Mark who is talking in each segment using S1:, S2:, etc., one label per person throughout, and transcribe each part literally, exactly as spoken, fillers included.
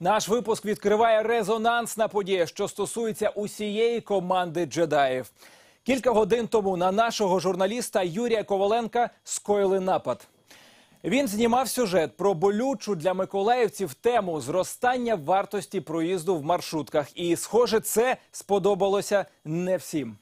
S1: Наш випуск відкриває резонансна подія, що стосується усієї команди джедаїв. Кілька годин тому на нашого журналіста Юрія Коваленка скоїли напад. Він знімав сюжет про болючу для миколаївців тему зростання вартості проїзду в маршрутках. І, схоже, це сподобалося не всім.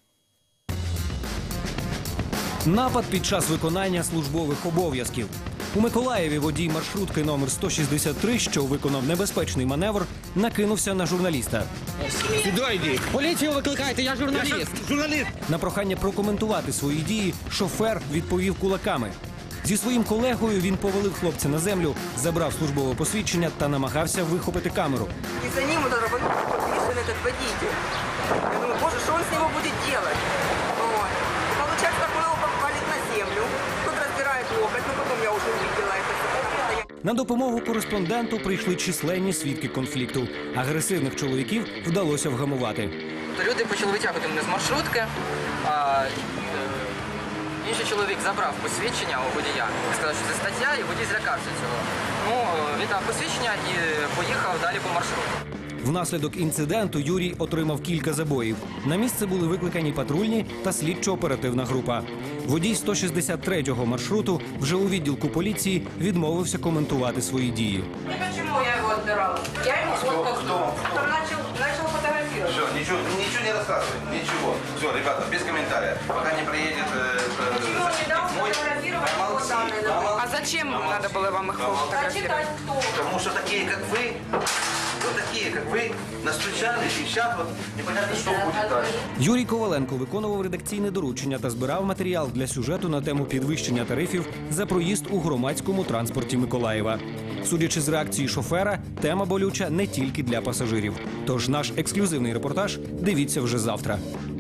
S2: Напад під час виконання службових обов'язків. У Миколаєві водій маршрутки номер сто шістдесят три, що виконав небезпечний маневр, накинувся на журналіста.
S3: Сюди йди.
S4: Поліцію викликайте, я журналіст.
S3: Я журналіст.
S2: На прохання прокоментувати свої дії шофер відповів кулаками. Зі своїм колегою він повалив хлопця на землю, забрав службове посвідчення та намагався вихопити камеру.
S5: И за ним вот рванул подвешен этот водитель. Я думаю, боже, что он с него будет делать? Вот. И получается, так он его валит на землю. Тут разбирает локоть, но потом я уже увидела это. Потому что я...
S2: На допомогу кореспонденту прийшли численні свідки конфлікту. Агресивних чоловіків вдалося вгамувати.
S6: Люди почали витягувати мене з маршрутки, а е, інший чоловік забрав посвідчення у водія. Сказав, що це стаття, і водій злякався цього. Ну, він дав посвідчення і поїхав далі по маршруту.
S2: Внаслідок інциденту Юрій отримав кілька забоїв. На місце були викликані патрульні та слідчо-оперативна група. Водій сто шістдесят третього маршруту вже у відділку поліції відмовився коментувати свої дії.
S5: Почему я его отбирала? Я ему вот как он начал, начал фотографировать.
S3: Все, ничего, ничего не рассказывай, ничего. Все, ребята, без комментариев. Пока не приедет э, э,
S5: Почему он не дал
S3: мой...
S5: фотографировать его
S3: Помолчи,
S5: данные?
S3: помолчи.
S5: А зачем надо было вам их фотографировать? Кто?
S3: Потому что такие, как вы, вот такие, как вы, настучались, и сейчас вот непонятно, что будет дальше.
S2: Юрій Коваленко виконував редакційне доручення та збирав матеріал для сюжету на тему підвищення тарифів за проїзд у громадському транспорті Миколаєва. Судячи з реакції шофера, тема болюча не тільки для пасажирів. Тож наш ексклюзивний репортаж дивіться вже завтра.